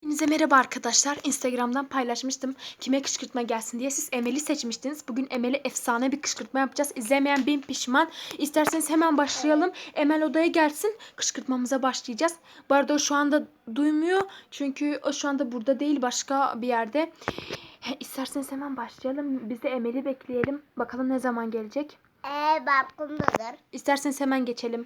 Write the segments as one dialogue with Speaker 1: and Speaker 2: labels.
Speaker 1: Hepinize merhaba arkadaşlar. Instagram'dan paylaşmıştım kime kışkırtma gelsin diye. Siz Emel'i seçmiştiniz. Bugün Emel'e efsane bir kışkırtma yapacağız. İzlemeyen bin pişman. İsterseniz hemen başlayalım. Emel odaya gelsin. Kışkırtmamıza başlayacağız. Bu arada o şu anda duymuyor. Çünkü o şu anda burada değil, başka bir yerde. İsterseniz hemen başlayalım. Biz de Emel'i bekleyelim. Bakalım ne zaman gelecek.
Speaker 2: Balkondadır.
Speaker 1: İsterseniz hemen geçelim.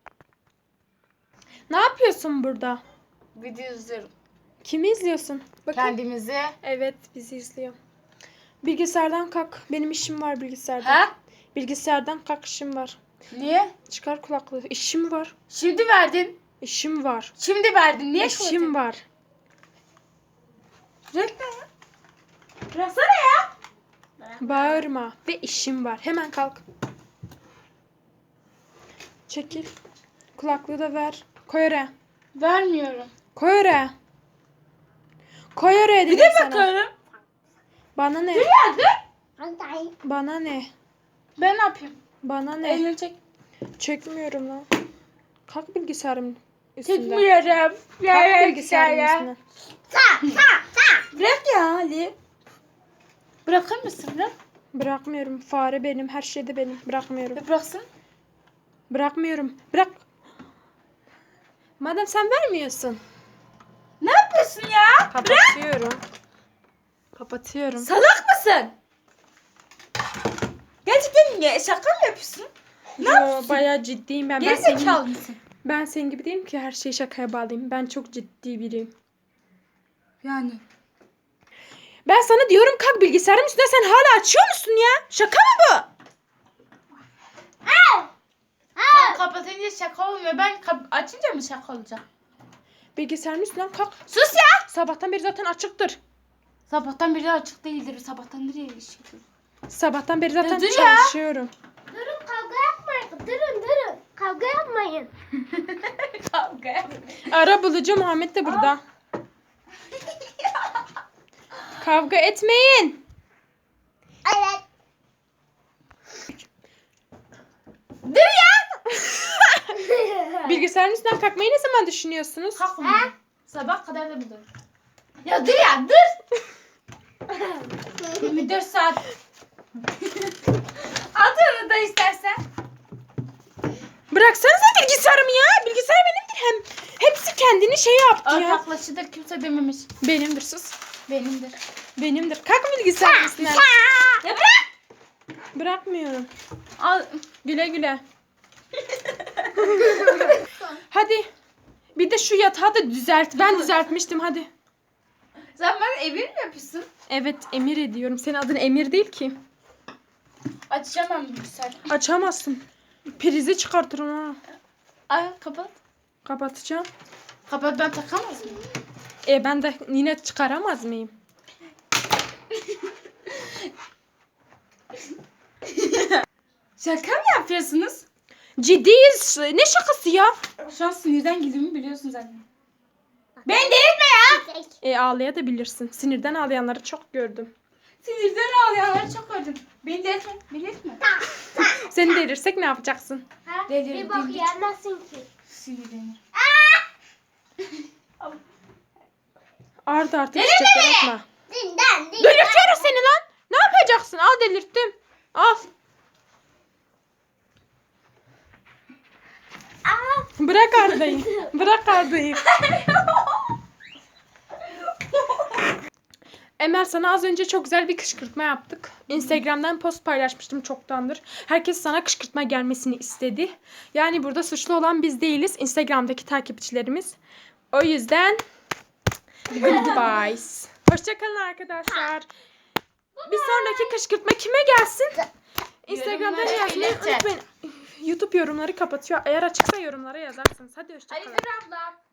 Speaker 1: Ne yapıyorsun burada?
Speaker 3: Video izliyorum.
Speaker 1: Kimi izliyorsun? Bakın.
Speaker 3: Kendimizi.
Speaker 1: Evet, bizi izliyor. Bilgisayardan kalk. Benim işim var bilgisayardan.
Speaker 3: Ha?
Speaker 1: Bilgisayardan kalk, işim var.
Speaker 3: Niye?
Speaker 1: Çıkar kulaklığı. İşim var.
Speaker 3: Şimdi verdin.
Speaker 1: İşim var.
Speaker 3: Şimdi verdin. Niye
Speaker 1: İşim var.
Speaker 3: Reklam ya. Bıraksana ya.
Speaker 1: Bağırma. Ve işim var. Hemen kalk. Çekil. Kulaklığı da ver. Koy oraya.
Speaker 3: Vermiyorum.
Speaker 1: Koy oraya. Koy oraya
Speaker 3: Bir
Speaker 1: dedim
Speaker 3: de
Speaker 1: sana.
Speaker 3: bakarım.
Speaker 1: Bana ne?
Speaker 3: Dur ya dur.
Speaker 1: Bana ne?
Speaker 3: Ben ne yapayım?
Speaker 1: Bana ne?
Speaker 3: Elini çek.
Speaker 1: Çekmiyorum lan. Kalk bilgisayarın üstünden.
Speaker 3: Çekmiyorum.
Speaker 1: Kalk bilgisayarın üstüne.
Speaker 3: Bırak ya Ali. Bırakır mısın lan?
Speaker 1: Bırakmıyorum. Fare benim. Her şey de benim. Bırakmıyorum.
Speaker 3: Bıraksın.
Speaker 1: Bırakmıyorum. Bırak. Madem sen vermiyorsun.
Speaker 3: Ne yapıyorsun ya?
Speaker 1: Kapatıyorum. Kapatıyorum.
Speaker 3: Salak mısın? Gerçekten niye? Şaka mı yapıyorsun? Ne yapıyorsun?
Speaker 1: Bayağı ciddiyim ben.
Speaker 3: Gerizekalı mısın?
Speaker 1: Ben senin gibi değilim ki her şeyi şakaya bağlayayım. Ben çok ciddi biriyim.
Speaker 3: Yani.
Speaker 1: Ben sana diyorum kalk bilgisayarın üstüne, sen hala açıyor musun ya? Şaka mı bu?
Speaker 3: Sen kapatınca şaka olmuyor. Ben açınca mı şaka olacak?
Speaker 1: Bilgisayarın üstünden kalk.
Speaker 3: Sus ya!
Speaker 1: Sabahtan beri zaten açıktır.
Speaker 3: Sabahtan beri açık değildir. Sabahtan nereye ilişkidir?
Speaker 1: Sabahtan beri zaten
Speaker 3: Dur ya.
Speaker 1: çalışıyorum.
Speaker 2: Durun, kavga yapmayın. Durun. Kavga yapmayın.
Speaker 3: Kavga.
Speaker 1: Ara bulucu Muhammed de burada. Kavga etmeyin.
Speaker 2: Evet.
Speaker 3: Dur ya!
Speaker 1: Bilgisayarın üstünden kalkmayı ne zaman düşünüyorsunuz?
Speaker 3: Kalkma. Sabah kadar da budur. Ya dur ya dur! 24 saat. At onu da istersen.
Speaker 1: Bıraksanıza bilgisayarımı ya. Bilgisayar benimdir hem. Hepsi kendini şey yaptı ya.
Speaker 3: Ortaklaşıdır, kimse dememiş.
Speaker 1: Benimdir, sus.
Speaker 3: Benimdir.
Speaker 1: Benimdir. Kalk bilgisayarın üstünden.
Speaker 3: Ya bırak!
Speaker 1: Bırakmıyorum.
Speaker 3: Al.
Speaker 1: Güle güle. Hadi. Bir de şu yatağı da düzelt. Ben düzeltmiştim, hadi.
Speaker 3: Sen bana emir mi yapıyorsun?
Speaker 1: Evet, Emir ediyorum. Senin adın Emir değil ki.
Speaker 3: Açacağım ben bilgisayarı.
Speaker 1: Açamazsın. Prizi çıkartırım ha.
Speaker 3: Ay kapat.
Speaker 1: Kapatacağım.
Speaker 3: Kapat, ben takamaz mıyım?
Speaker 1: Ben de yine çıkaramaz mıyım?
Speaker 3: Şaka mı yapıyorsunuz?
Speaker 1: Ciddiyiz. Ne şakası ya?
Speaker 3: Şu an sinirden gidimi biliyorsun zaten. Ben delirtme ya!
Speaker 1: Ağlayabilirsin. Sinirden ağlayanları çok gördüm.
Speaker 3: Sinirden ağlayanları çok gördüm. Beni delirtme. Delirtme.
Speaker 1: Seni delirsek ne yapacaksın?
Speaker 2: Ha?
Speaker 3: Delirdin.
Speaker 2: Bir bak yemezsin ki.
Speaker 3: Sinirlenir.
Speaker 1: Arda artık çiçekler atma.
Speaker 2: Dinden.
Speaker 1: Delirtiyoruz seni lan. Ne yapacaksın? Al, delirttim. Al. Bırak Arda'yı. Bırak Arda'yı. Emel, sana az önce çok güzel bir kışkırtma yaptık. Instagram'dan post paylaşmıştım çoktandır. Herkes sana kışkırtma gelmesini istedi. Yani burada suçlu olan biz değiliz. Instagram'daki takipçilerimiz. O yüzden goodbye. Hoşçakalın arkadaşlar. Bir sonraki kışkırtma kime gelsin? Instagram'dan
Speaker 3: Yorumlara
Speaker 1: yazmayı
Speaker 3: iletin.
Speaker 1: unutmayın. YouTube yorumları kapatıyor. Eğer açıksa yorumlara yazarsınız. Hadi hoşçakalın.
Speaker 3: Hayır abla.